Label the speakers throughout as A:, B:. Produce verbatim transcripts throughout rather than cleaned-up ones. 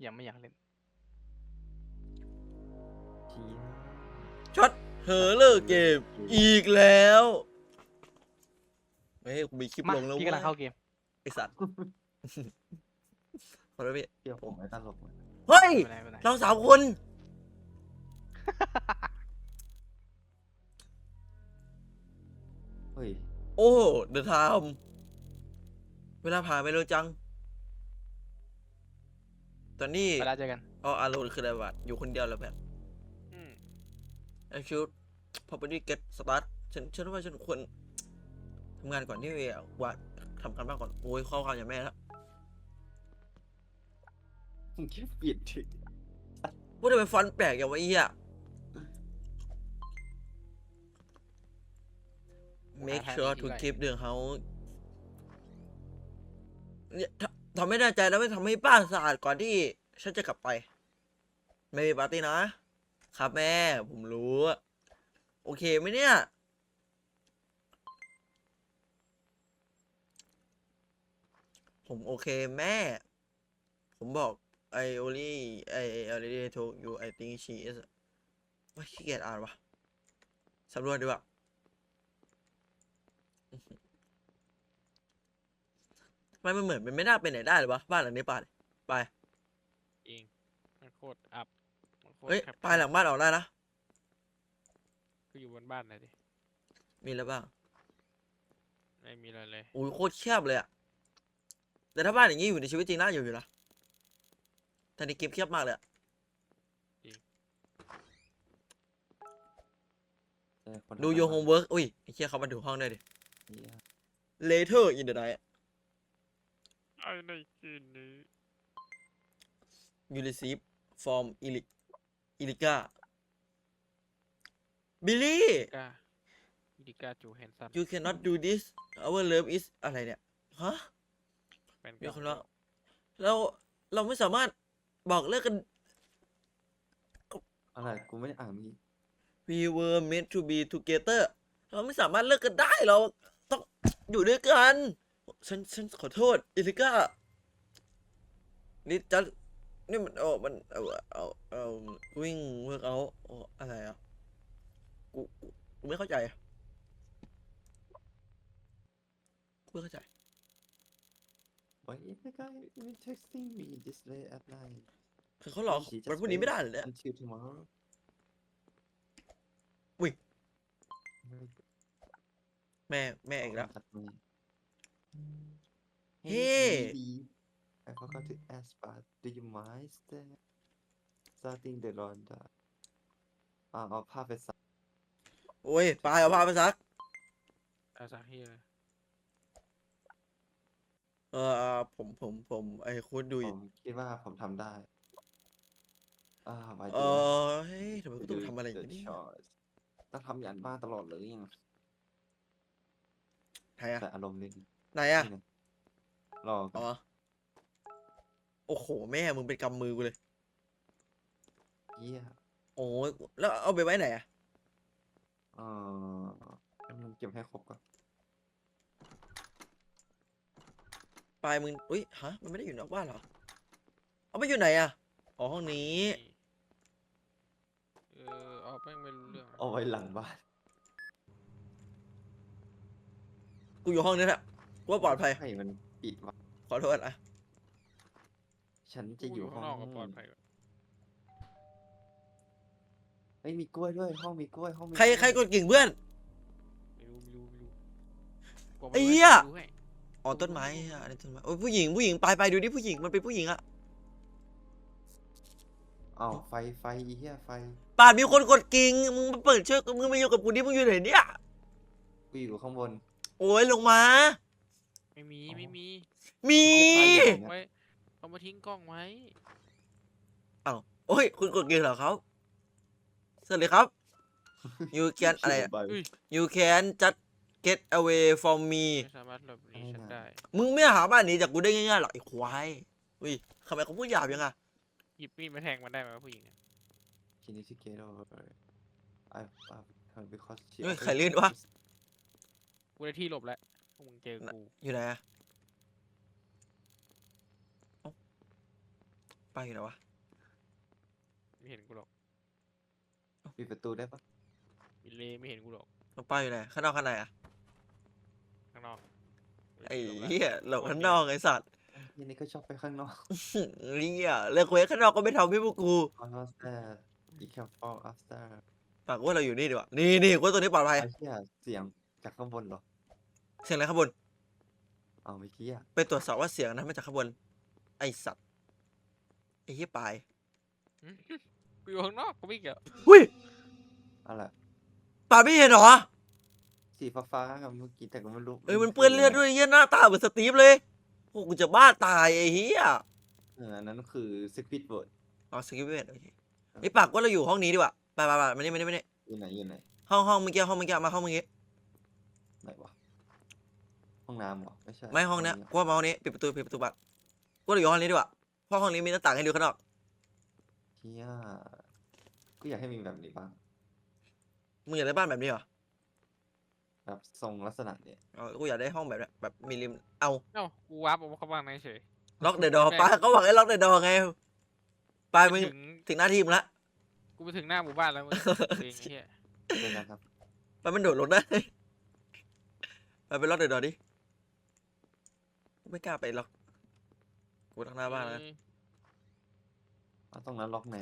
A: ยังไม่อยากเล่น
B: ช็อตเธอเลิกเกมอีกแล้วเฮ้ยกูมีคลิป
A: มา
B: ลงแล้ว
A: พี่
B: เว้
A: กำลังเข้าย เกม
B: ไอสัตว์ขอโทษพี่
C: เดี๋ยวผมไม่ตลกเลย
B: เฮ้ย
A: ไม่เป็นไรไม่เป็นไร
B: เราสามคน
C: เฮ้ย
B: โอ้เดอะไทม์เวลาผ่านไปเร็วจัง ตอนนี้
A: เวลาเจอกัน
B: เอาอารมณ์คืออะไรวะอยู่คนเดียวแล้วแบบ
A: อืม
B: ไอคิวพอไปดีเก็ตสตาร์ทฉันฉันว่าฉันควรทำงานก่อนที่ว่าทำการบ้านก่อน โอ้ยข้อความอย่างแม่แล้ว
C: มึงแค่เปลี่ยนถึง
B: พูดทำไมฟอนต์แปลกอย่างวะไอ้เหี้ย make sure to keep the house เนี่ยทำทำไม่แน่ใจแล้วไม่ทำให้บ้านสะอาดก่อนที่ฉันจะกลับไป ไม่มีปาร์ตี้นะ ครับแม่ ผมรู้ โอเคไหมเนี่ย ผมโอเคแม่ ผมบอก I only I already told you I think she is ว่าขี้เกียจอ่านวะสำรวจดีกว่าทำไมมันเหมือนมันไม่น่าไปไหนได้เลยวะบ้านหลังนี้ป่าเนี่ยไป
A: เองมันโคตรอับมันโคตร
B: เฮ้ย
A: แคบ
B: ปลายหลังบ้านออกได้นะ
A: ก็อยู่บนบ้านเลยดิ
B: มีแล้วบ้าง
A: ไม่มีอะไรเลย
B: อุ้ยโคตรแคบเลยอะแต่ถ้าบ้านอย่างนี้อยู่ในชีวิตจริงน่าอยู่อยู่นะแต่ในเกมแคบมากเลยอะ
C: คน
B: ดู your homework อุ้ยไอ้เชี่ยเขามาถึงห้องได้ดิ
C: เหี้ย
B: later in the night
A: ไอ้ในคืนนี้
B: you receive from Ilic Ilica Billy
A: กาอิดิกาจูแฮนซัน
B: you cannot do this our love is อะไรเนี่ย ฮะ
A: เป็น
B: มีคนว่าเราเราไม่สามารถบอกเลิกกัน
C: อะไรกูไม่ได้อ่านเมื่อกี้
B: we were meant to be together เราไม่สามารถเลิกกันได้เราต้องอยู่ด้วยกันฉันฉันขอโทษอิลิก้านี่จะนี่มันเอามันเอาเอาเอาวิ่งเวิร์กเอาอะไรอ่ะกูกูกูไม่เข้าใจอ่ะกูไม่เข้าใจ
C: Why is the guy even texting me this late at night
B: คือเขาหลอก
C: She just
B: วันพรุ่งนี้ไม่ได้เหรอ
C: wait
B: เนี่ย
C: until tomorrow
B: อุ้ย
C: ไม่
B: แม่แม่อีกแล้ว
C: ตัดมือ
B: Hey
C: baby I forgot to ask but do you mind stay starting the laundry อ่าเอาผ้าไปซัก
B: โอ้ยปลายเอาผ้าไปซัก
A: อาซาฮิเลย
B: เออเออผมผมผมไอ้คุณดู
C: ผ
B: อยู่
C: มคิดว่าผมทำได้อ่าไว้
B: เอ
C: ดู
B: อเฮ้ยทำไมกูต้องทำอะไรอย่างนี้
C: ต้องทำยันบ้านตลอดเลยยัง
B: ไหนอะ
C: แต่อารมณ์นิด
B: ไหนอะ
C: นี่นะรอก่
B: อ๋
C: อ
B: อน โอ้โหแม่มึงเป็นกำมือกูเลย
C: เยี่ย
B: โอ้ยแล้วเอาไปไว้ไหนอะ
C: เออมันเก็บให้ครบก่อน
B: ปลายมึงอุ้ยฮะมันไม่ได้อยู่นอกบ้านเหรอเอาไปอยู่ไหนอะอ๋อห้องนี้
A: เออเอาแม่งไม่รู้เรื่อง
C: เอาไว้หลังบ้าน
B: กูอยู่ห้องนี้แหละกูว่าปลอดภัย
C: ให้มันปิดวะ
B: ขอโทษอะ
C: ฉันจะ
A: กู
C: อยู่ห้
A: ข้า
C: อง ง
A: นอกก็ปลอดภัยกว่า
C: เฮ้ยมีกล้วยด้วยห้องมีกล้วยห้องมี
B: ใคร
C: กล้วย
B: ใครกดกิ่งเพื่อน
A: ไม่รู้ไม่รู้ไม่รู้กลัว
B: ไอ้
A: ม่รู้
B: เหี้ย
A: ดูให้
B: อ๋อต้นไม้อะอะไรต้นไม้โอ้ยผู้หญิงผู้หญิงไปไปดูดิผู้หญิงมันเป็นผู้หญิงอะ
C: อ้าวไฟไฟอีเหี้ยไฟ
B: ป่านมีคนกดกิ่งมึงมาเปิดเชือกมึงมาอยู่กับกูดิมึงอยู่ไหนเนี่ย
C: กูอยู่ข้างบน
B: โอ้ยลงมา
A: ไม่มี
C: อ๋อ
A: ไม่มี
B: มี
A: ไว้เอามาทิ้งกล้องไว้
B: อ้าวโอ้ยคุณกดกิ่งเหรอครับสวัสดีครับ you can อะไรอะ
A: อุ้ย
B: you can just get away from me
A: ไม่สามารถหลบหนีฉันได้
B: มึงไม่หาบ้านหนี้จากกูได้ง่ายๆหรอกไอ้ควายอุ้ยทำไมเขาพูดหยาบยังอะ
A: หยิบมีดมาแทงมันได้ไหมวะผู้หญิงอะ
C: Can you get over I I because she
B: เฮ้ยใครเล่นวะ
A: กูได้ที่หลบแล้วพวกมึงเจอกู
B: อยู่ไหนอะเอ้าไปป้าอยู่ไหนวะ
A: ไม่เห็นกูหรอก
C: ปิดประตูได้ปะ
A: อิเลไม่เห็นกูหรอก
B: น้องป้าอยู่ไหนข้างนอกข้างในอะ
A: ข้างนอก
B: ไอ้
A: หลบละ
B: เหี้ยหลบข้างนอกไอ้สัตว์
C: ยี่นี่ก็ชอบไปข้างนอก
B: เหี้ยเลิกเควสข้างนอกก็ไม่ทำให้พวกกู
C: after you can fall after
B: ฝากว่าเราอยู่นี่ดีกว่านี่นี่กูว่าตัวนี้ปลอดภัย
C: ไอ้เหี้ยเสียงจากข้างบนเหรอ
B: เสียงอะไรข้างบน
C: เอาเมื่อกี้อะ
B: ไปตรวจสอบว่าเสียงนั้นมาจากข้างบนไอ้สัตว์ไอ้เหี้ยปลาย
A: กูอยู่ข้างนอกกูไม่เกี่ยว
B: หุ้ย
C: อะไร
B: ปลายไม่เห็นเหรอ
C: สีฟ้าๆกับเมื่อกี้แต่ก็ไม่รู้
B: เอ้ยมันเปื้อนเลือดด้วยเหี้ยหน้าตาเหมือนสตีฟเลยโอ้กูจะบ้าตายไอ้เหี้ย
C: เอออันนั้นคือ Secret Word
B: อ๋อสกิปเวทโอเคไอ้ปากว่าเราอยู่ห้องนี้ดีกว่าไปไปไปมานี่มานี่มานี่
C: อยู่ไหนอยู่ไหน
B: ห้องห้องเมื่อกี้ห้องเมื่อกี้มาห้องเมื่อกี้
C: ไหนวะห้องน้ำเหรอไม่ใช่
B: ไม่ห้องเนี้ยกูว่ามาห้องนี้ปิดประตูปิดประตูบัตรกูเราอยู่ห้องนี้ดีกว่าเพราะห้องนี้มีหน้าต่างให้ดูข้างนอก
C: เฮียกูอยากให้มีแบบนี้บ้าง
B: มึงอยากได้บ้านแบบนี้เหรอ
C: แบบทรงลักษณะเนี่ย
B: อ๋อกูอยากได้ห้องแบบเนี้ยแบบมีริมเอา
A: เอ้ากูวาร์ปออกมาเข้าบ้านเฉย
B: ล็อกเดอะดอป้าก็บอกให้ล็อกเดอะดอไงไป
A: ไป
B: มึง
A: ถึง
B: ถึงหน้าที่มึงละ
A: กูไปถึงหน้าหมู่บ้านแล้วมึงเองไอ้เหี้ย
C: เจอกันครับ
B: ไปมันโดดลงได้ไปไปล็อกเดอะดอดิกูไม่กล้าไปล็อกกูล็อกหน้าบ้านแล้วกัน
C: เอาตรงนั้นล็อกไหน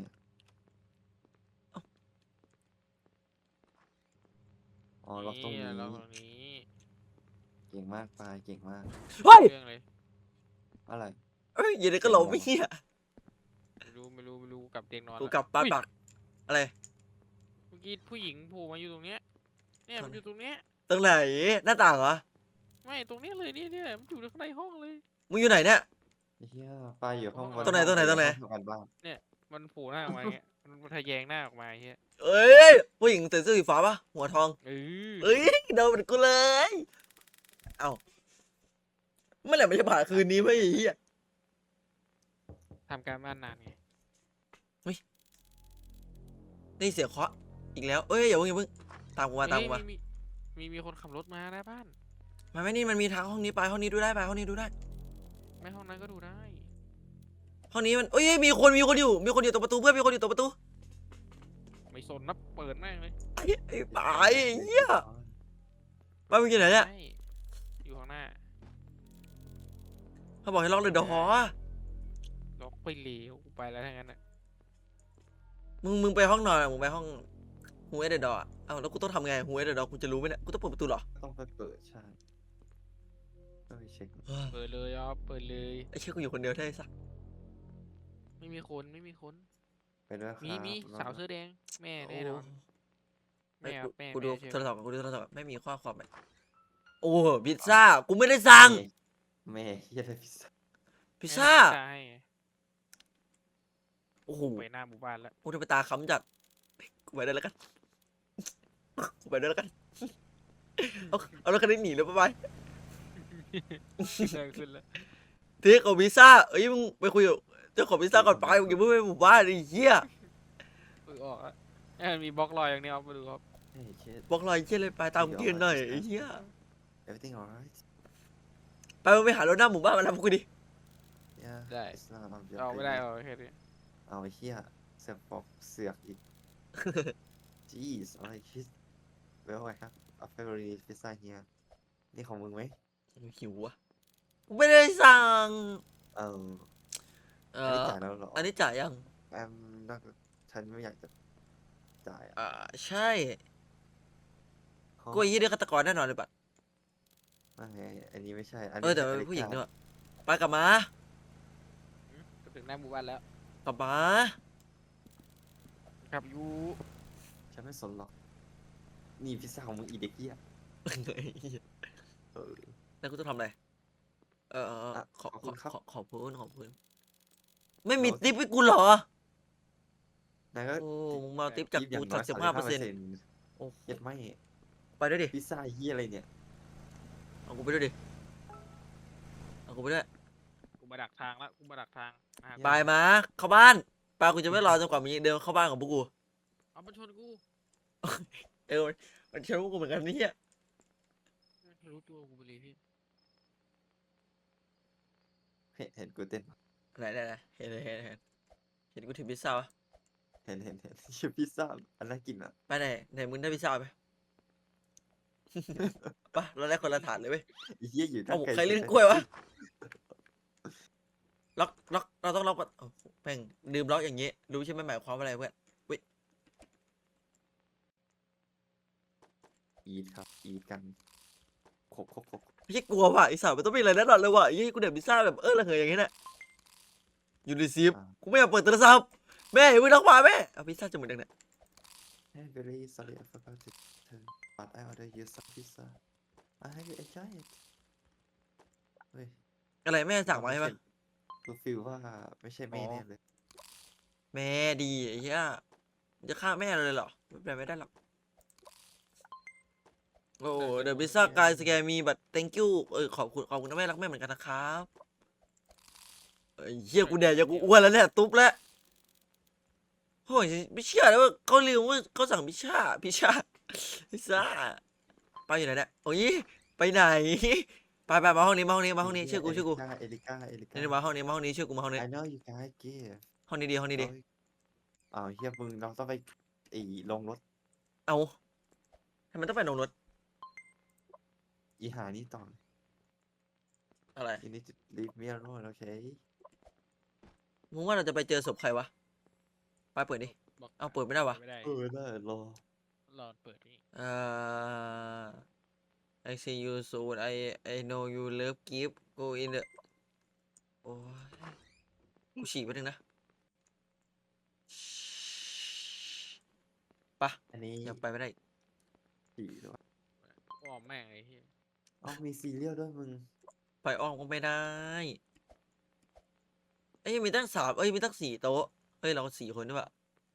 C: อ๋อล็อกตรงนี้
A: เยล็อกตรงนี้
C: เก่งมากปลายเก่งมาก
B: เฮ้ย
A: เรื่องเลย
C: อะไร
B: เอ้ยอย่าเด็กก็หลบไม่เหี้ย
A: ไม่รู้ไม่รู้ไม่รู้กลับเตียงนอน
B: กู
A: ละ
B: กลับบ้าน
A: อุ๊ย
B: ปักอะไร
A: เมื่อกี้ผู้หญิงโผล่มาอยู่ตรงเนี้ยเนี่ยมันอยู่ตรงเนี้ย
B: ตรงไหนหน้าต่างเหรอ
A: ไม่ตรงเนี้ยเลยเนี่ยเนี่ยมันอยู่ข้างในห้องเลย
B: มึงอยู่ไหนเนี่ย
C: ไอ้เฮียปลายอยู่ห้อง
B: ตรงไหนตรงไหนตรงไหน
C: ห้อทำการบ้าน
A: มันโผล่หน้าออกมาอย่างเงี้ยมันมันทะแยงหน้าออกมาไอ้เหี้ย
B: เอ้ยผู้หญิงใส่เสื้อสีฟ้าปะหัวทอง
A: เออ
B: เอ้ยเดินเหมือนกูเลย เอ้าเมื่อไหร่มันจะผ่านคืนนี้ไม่ไอ้เหี้ย
A: ทำการบ้านนานไง
B: ได้เสียงเคาะอีกแล้วเอ้ยอย่าเพิ่งอย่าเพิ่งตามกูมาตามกูมา
A: เฮ้ยมีมีมีคนขับรถมาหน้าบ้าน
B: มาไม่นี่มันมีทางห้องนี้ไปห้องนี้ดูได้ไปห้องนี้ดูได้
A: ไม่ห้องนั้นก็ดูได้
B: ห้องนี้มันเอ้ยมีคนมีคนอยู่มีคนอยู่ตรงประตูเพื่อนมีคนอยู่ตรงประตู
A: ไม่สนนับเปิดแม่งเลย
B: ไอ้ไอ้ปายไอ้เหี้ยป้ามึงอยู่ไหนเนี่ย
A: ใช่อยู่ข้างหน้า
B: เขาบอกให้ล็อกเลยเดี๋ยวหอ
A: ล็อกไปเหลวกูไปแล้วทั้งนั้นอ่ะ
B: มึงมึงไปห้องนอนอะมึงไปห้องฮูเอเดดอร์เอ้าแล้วกูต้องทำไงฮูเอเดดอร์กูจะรู้ไหมเนี่ยกูต้องเปิดประตูเหรอ
C: ต้องไปเปิดใช่ต้องไปเช็ค
B: เฮ้ย
A: เปิดเลยอ่ะเปิดเลย
B: ไอ้เชี่ยกูอยู่คนเดียวได้สัก
A: ไม่มีคนไม่มีคน
C: ไปด้วยครับ
A: มีมีสาวเสื้อแดงแม่แน่นอน
B: ไอ้
A: แม่
B: กู
A: แม่
B: กูดู
A: แม่เชื่อ
B: โทรศัพท์ก่อนกูดูโทรศัพท์ก่อนไม่มีข้อความไหมโอ้พิซซ่ากูไม่ได้สั่ง
C: แม่เฮียอะไรพิซซ่า
B: พิซซ่า
A: ใช่
B: โอ้โห
A: ไปหน้าหมู่บ้านแล้ว
B: กูจะไปตาค้ำจัดกูไปได้แล้วกันกูไปได้แล้วกันเอาเอารถคันนี้หนีเลยบ๊ายบาย
A: เดินขึ้นแล้ว
B: เทคของพิซซ่าเอ้ยมึงไปคุยกับเจ้าของพิซซ่าก่อนไปมึงอย่าเพิ่งไปหมู่บ้านไอ้เหี้ย
A: เออออกอ่ะเอ้ยมีบล็อกลอยอย่างนี้เอาไปดูครับ
C: เฮ้ยเช็ด
B: บอกรอยเชี่ยเลยไปตามกูยืนหน่อยไอ้เหี้ย
C: everything alright
B: ไปมึงไปหารถหน้าหมู่บ้านมาทำกูดิ
C: yeah
A: ได้
C: it's not on your
A: เอาไม่ได้
C: plate
A: เอาแค่นี้
C: เอาไอ้เฮียเสือกปอกเสือกอีก jeez alright shit well I have a favorite pizza here นี่ของมึงไหม
B: หิวอ่ะกูไม่ได้สั่ง
C: เออ
B: เอ
C: อันนี้
B: อ
C: จ่ายแล้วเหรอ
B: อันนี้จ่ายยัง
C: แอมน่าฉันไม่อยากจะจ่ายอะ
B: อ่าใช่
C: เขา
B: กูไอ้เหี้ยได้ฆาตกรแน่นอนเลยบัด
C: ไม่อันนี้ไม่ใช่อัน
B: เอ
C: นี้
B: อแต่มัน
C: ใช่
B: เป็นผู้หญิง
C: อ
B: ด้
C: ลิ
B: วยไปกลับมา
A: ก็ถึงหน้าหมู่บ้านแล้ว
B: กลับมา
A: ขับอยู่
C: ฉันไม่สนหรอกนี่พิซซ่าของมึงอีเด็กเหี้ย
B: ไอ้เหี้ย
C: เออ
B: แล้วกูต้องทำอะไรเออเออเออ
C: อ่ะ
B: ขอ
C: ขอบ
B: ข
C: คุ
B: อ
C: ณครับ
B: ขอขอบคุณขอบคุณไม่มี
C: เรา
B: ทิปให้กูเหรอ
C: นายก็
B: โอ้มึงมาเอาทิปจาก
C: ทิปอย่า
B: กู
C: งน้
B: สั
C: อก ย
B: สิบห้าเปอร์เซ็นต์
C: สามสิบห้าเปอร์เซ็นต์
B: โอ้
C: เย็ดไม่
B: ไปด้วยดิ
C: พิซซ่าเหี้ยอะไรเนี่ย
B: เอากูไปด้วยดิเอากูไปด้วย
A: กูมาดักทางแล้วกูมาดักทางมาหา
B: ไปมาเข้าบ้านไปกูจะไม่รอจนกว่ามีเดินเข้าบ้านของพวกกู
A: เอามาชนกู
B: เออมันเชื่อพวกกูเหมือนกันนี่อ่ะ
A: รู้ตัวกูไปเลยพี่
C: เห็นเห็นกูเต้นปะ
B: ไหนไหนไหนเห็นเห็นเห็นเห็นกูถือพิซซ่าปะ
C: เห็นเห็นเห็นชื่อพิซซ่าอันน่ากินอ่ะ
B: ไปไหนไหนมึงได้พิซซ่าไหม ปะเราได้คนละถาดเลยเว้ย
C: ไอ้เหี้ยอยู่ตั้
B: เอา
C: งไกล
B: ใครเล่นกล้วยวะล็อกล็อกเราต้องล็อกโอ้โหแม่งลืมล็อกอย่างงี้รู้ใช่ไหมหมายความว่าอะไรเพื่อน
C: อีทครับอีทกันครบครบครบ
B: ไม่ใช่กลัวว่ะไอ้สาวมันต้องมีอะไรแน่นอนเลยว่ะไอ้ยี่กูเด็ดพิซซ่าแบบเออระเหยอย่างงี้แหละอยู่ในซีฟกูไม่อยากเปิดโทรศัพท์แม่อย่าเพิ่งล็อกมาแม่เอาพิซซ่าจะหมดยังเนี่ย
C: Hey very sorry I forgot to turn but I order you some pizza I hope you enjoy it เฮ้ย
B: อะไรแม่สั่งมาใช่ปะ
C: กูฟีลว่าไม่ใช่แม่
B: อ๋อ
C: แน่เลย
B: แม่ดีไอ้เหี้ยจะฆ่าแม่เราเลยเหรอไม่เป็นไรไม่ได้หรอกโอ้เดอะพิซซ่ากายสแกมีบัต thank you เออขอบคุณขอบคุณนะแม่รักแม่เหมือนกันนะครับไอ้เหี้ยกูแดกยังกูอ้วนแล้วเนี่ยตุ๊บแล้วโอ้ยไม่เชื่อเลยว่าเขาลืมว่าเขาสั่งพิซซ่าพิซซ่าพิซซ่าไปอยู่ไหนเนี่ยโอ้ยไปไหนไปไปมาห้องนี้มาห้องนี้มาห้องนี้เชื่อกูเชื่อกู
C: เอลิก้าเอลิก้า
B: นี่มาห้องนี้มาห้องนี้เชื่อกูมาห้องนี้
C: I know you guys give
B: ห้องนี้ดีห้องนี้ดี
C: อ้าวเฮียมึงเราต้องไปไอ้ลงรถ
B: เอาทำไมต้องไปลงรถ
C: อีหานี่ต่อ
B: อะไร
C: You need to leave me alone okay
B: มึงว่าเราจะไปเจอศพใครวะไปเปิดดิ
A: บอก
B: เอาเปิดไม่ได้วะ
A: ไม่ได้
C: เออได้รอ
A: รอเปิดนี่
B: เอ่อ I see you soon I I know you love gift go in the โอ้ยกูฉี่ไปหนึ่งนะปะ
C: อันนี้
B: ยังไปไม่ได้
C: สี่ด้วย
A: อ้อมแม่งไอ้เหี้ย
C: อ๋อมีซีเรียลด้วยมึง
B: ไปอ้อมก็ไม่ได้เอ้ยมีตั้งสามเอ้ยมีตั้งสี่โต๊ะเอ้ยเราสี่คนด้วยปะ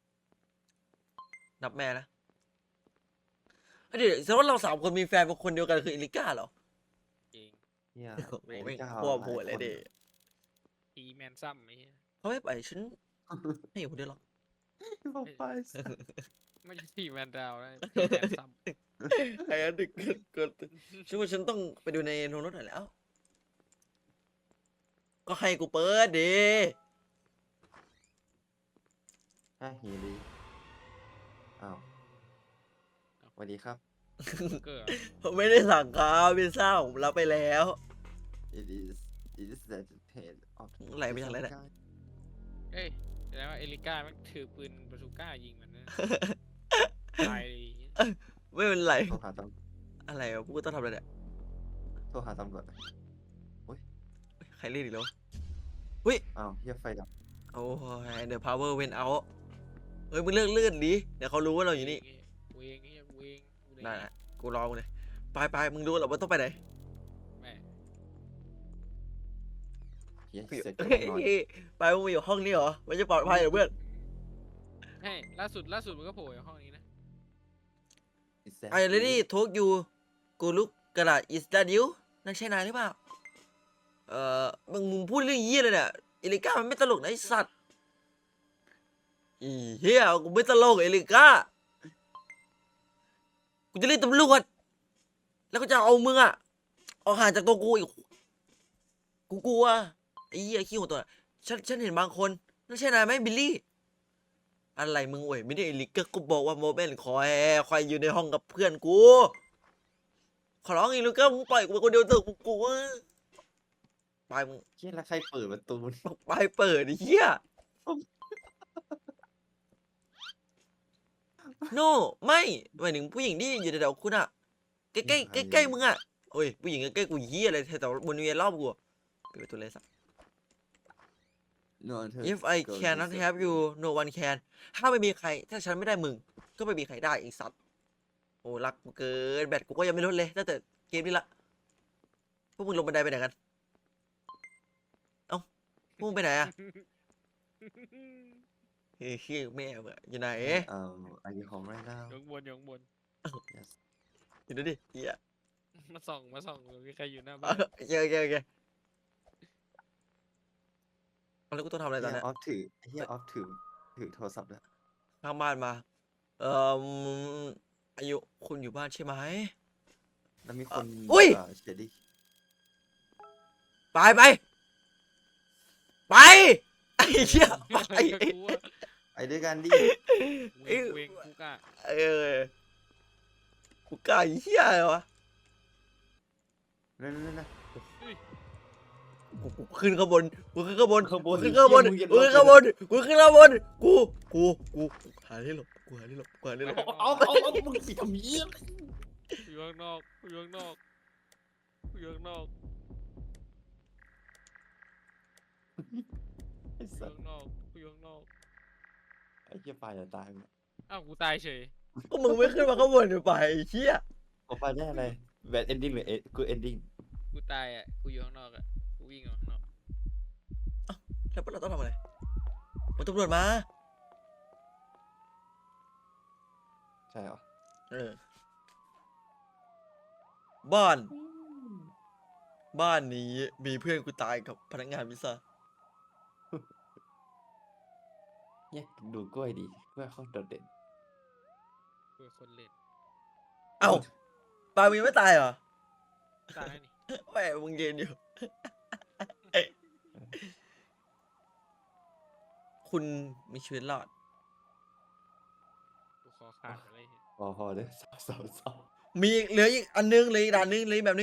B: นับแม่นะเอ้ยเดี๋ยวแสดงว่าเราสามคนมีแฟนเป็นคนเดียวกันคือเอลิก้าเหรอ
A: จริง
C: เนี่ย
B: โอ้โห
C: เอ
B: ไม่
C: ลิก้า
B: พวก
C: หา
B: หัวเลย
C: คน
B: เด็
A: อีแมนซัมไอ้เหี้ย
B: เขาไม่ไปฉันไม่อยู่คนเดียวหรอก
C: บอกไป
A: ไม่ใช่ทีแมนดาวนะอีแมนซัม
B: ไอ้อันดึกเกินฉันว่าฉันต้องไปดูในโน้ตหน่อยแล้ว ก็ให้กูเปิดดิ
C: อ่ะเฮียดีอ้าวสวัสดีครับ
A: เกิด
B: ผมไม่ได้สั่งครับพิซซ่าผมรับไปแล้ว
C: it is it is that pain of
B: ไหลไปทางไหนเนี่ย
A: เอ้ยแสดงว่าเอลิก้าแม่งถือปืนบาซูก้ายิงมันนะตายเลยไอ้เหี้ย
B: ไม่เป็นไร
C: โทรหาต
B: อะไรวะกูต้องทำอะไรเนี่ย
C: ำโทรหาตำรวจ
B: ใครเรียกอีกแล้ว
C: อ้าวเฮียไฟดับ
B: โอ้ย the power went out เฮ้ยมึงเลิกเลื่อนดิเดี๋ยวเขารู้ว่าเราอยู่นี่
A: เวงเหี้ยเวงกูเลย
B: ได้ละกูรอมึงเลยไปไปมึงรู้เหรอว่าต้องไปไหน
A: แม่
C: เฮีย
B: เฮ้ย
C: เสร็จก็ต้องนอน
B: ไปมึงมาอยู่ห้องนี้เหรอไม่จะปลอดภัยเหรอเพื่อน
A: ให้ล่าสุดล่าสุดมันก็โผล่อยู่ห้องนี้นะ
C: Is that
B: ไอ้เรดี้
C: you?
B: ทกยูกูลุกกระดาษ is that you นั่นใช่นายหรือเปล่าเอ่อมึงมึงพูดเรื่องเยี่ยเลยเนี่ยเอลิก้ามันไม่ตลกนะไอสัตว์อีเหี้ยกูไม่ตลกเอลิก้ากูจะเรียกตำรวจแล้วก็จะเอามึงอะออกห่างจากตัวกูอีกกูกลัวไอ้เหี้ยขี้หัวตัวน่ะฉันฉันเห็นบางคนนั่นใช่นายไหมบิลลี่อะไรมึงเว้ยไม่ได้เอลิก้ากูบอกว่าโมเมนต์คอยคอยอยู่ในห้องกับเพื่อนกูขอร้องเอลิก้ามึงปล่อยกูไปคนเดียวเถอะกูกลัวไปมึง
C: เฮียแล้วใครเปิดประตู
B: ไปเปิดไอ้เหี้ย โน่ไม่หมายถึงผู้หญิงที่อยู่แถวๆคุณอะใกล้ๆใกล้ๆมึงอะโอ้ยผู้หญิงใกล้ๆกูเหี้ยอะไรแถวๆบริเวณรอบกูอะปิดประตูเลยสัก
C: นอนเถอะ
B: If I cannot have you no one can ถ้าไม่มีใคร ถ้าฉันไม่ได้มึง ก็ไม่มีใครได้ไอีสัตว์โอ้รักกูเกินแบตกูก็ยังไม่ลดเลยตั้งแต่เกมนี้ละพวกมึงลงบันไดไปไหนกันเอ้าพวกมึงไปไหนอะเฮ้ยเฮ้ยแม่มึงอะอยู่ไหน
C: เอ่อ Are you home right now
A: อยู่ข้างบนอยู่ข้างบน
C: Yes
B: อยู่ดูดิเหี้ย
A: มาส่องมาส่องมีใครอยู่หน้า
B: โอ
A: บ้าน
B: เคโอเคโอเคเอาแล้วกูต้องทำอะไรตอน
C: เฮี
B: เนี้
C: ย
B: ย
C: ออฟถือเฮียออฟถือถือโทรศัพท์ด้วย
B: ข้างบ้านมา เอ่ออายุคุณอยู่บ้านใช่ไหม
C: แล้วมีคน
B: อุ๊ย
C: เเชดดี้
B: ไปไปไปไอ้เหี้ยไป
A: กับกูอะ
C: ไปด้วยกันดิ
A: เวงเวงกูกะ
B: เออกูกล้าเหี้ยอะไรวะ
C: นั่นนั่นนั่น
B: กูกูขึ้นข้างบนกูขึ้นข้างบน
C: ข้างบน
B: กูขึ้นข้างบน
C: เหี้ยมึ
B: กู
C: ง
B: ขึ้น
C: อย่า
B: ข้างบนกูขึ้นข้างบนกูกูกูหาที่หลบกูหาที่หลบกูหาที่หลบ
C: เอาเอาเอามึงสิทำเยี่ยม
A: อยู่ข้างนอกอยู่ข้างนอกอยู่ข้างนอก
C: ไอ้
A: อยู่
C: สัส
A: ข้างนอกอยู่ข้างนอก
C: ไอ้เหี้ยปลาจะตายมึง
A: อ้าวกูตายเฉย
B: ก็มึงไม่ขึ้นมาข้างบนไปไอ้เหี้ย
C: ผมไปได้อะไรแบดเอนดิ้งหรือกูเอนดิ้ง
A: กูตายอ่ะกูอยู่ข้างนอกอ่ะกูวิ่งออกข้างนอก
B: แล้วเราต้องทำอะไรมันตำรวจมา
C: ใช่เหรอ
B: เออบ้าน บ้านนี้มีเพื่อนกูตายกับพนักงานพิซซ่า
C: เนี่ยดูกล้วยดีกล้วยเขาโดดเด่น
A: กูเป็นคนเล่น
B: เอ้าปามึงยังไม่ตายเหรอ
A: ตายนี่
B: แม่มึงยืนอยู่ คุณมีชีวิตรอด
A: กูขอขาดอะไรเห็น
C: พอพอเลยสาวสาวสาว
B: มีเหลืออีกอันนึงเหลืออีกด่านนึงเหลืออีกแบบนึง